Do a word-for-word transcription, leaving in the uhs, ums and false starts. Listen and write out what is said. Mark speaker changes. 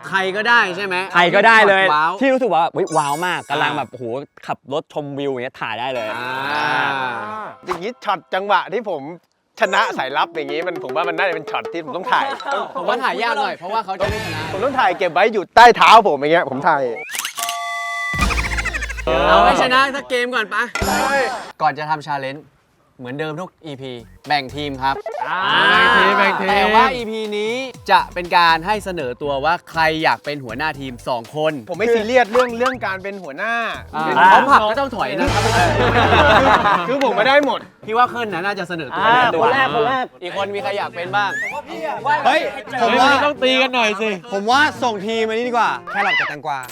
Speaker 1: ใครก็ได้ใช่ไหม
Speaker 2: ใครก็ได้เลย
Speaker 1: ว้าว
Speaker 2: ที่รู้สึกว่าว้าวมากกำลังแบบโอ้โหขับรถชมวิวอย่างเงี้ยถ่ายได้เลย
Speaker 3: อย่างนี้ช็อตจังหวะที่ผมชนะสายลับอย่างนี้มันผมว่ามันน่าจะเป็นช็อตที่ผมต้องถ่าย
Speaker 1: ผมว่าถ่ายยากหน่อยเพราะว่าเขาจะไม่ชนะ
Speaker 3: ผมต้องถ่ายเก็บไว้อยู่ใต้เท้าผมอย่างเงี้ยผมถ่าย
Speaker 1: เอาให้ชนะสักเกมก่อนปะก่อนจะทำชาเลนจ์เหมือนเดิมทุก อี พี แบ่งทีมครับแบ่งทีมแบ่งทีมแต่ว่า อี พี นี้จะเป็นการให้เสนอตัวว่าใครอยากเป็นหัวหน้าทีมสองคน
Speaker 3: ผมไม่ซีเรียสเรื่องเรื่องการเป็นหัวหน้า
Speaker 1: เขาผักก็ต้องถอยนะครับ
Speaker 3: คือผมไม่ได้หมด
Speaker 1: พี่ว่าเคิลน่าจะเสนอตัว
Speaker 2: คนแรกคนแรก
Speaker 1: อีกคนมีใครอยากเป็นบ้าง
Speaker 4: เฮ้ยผมว่า
Speaker 5: ต้องตีกันหน่อยสิ
Speaker 4: ผมว่าส่งทีมมานี่ดีกว่าแครอทกับแตงกวา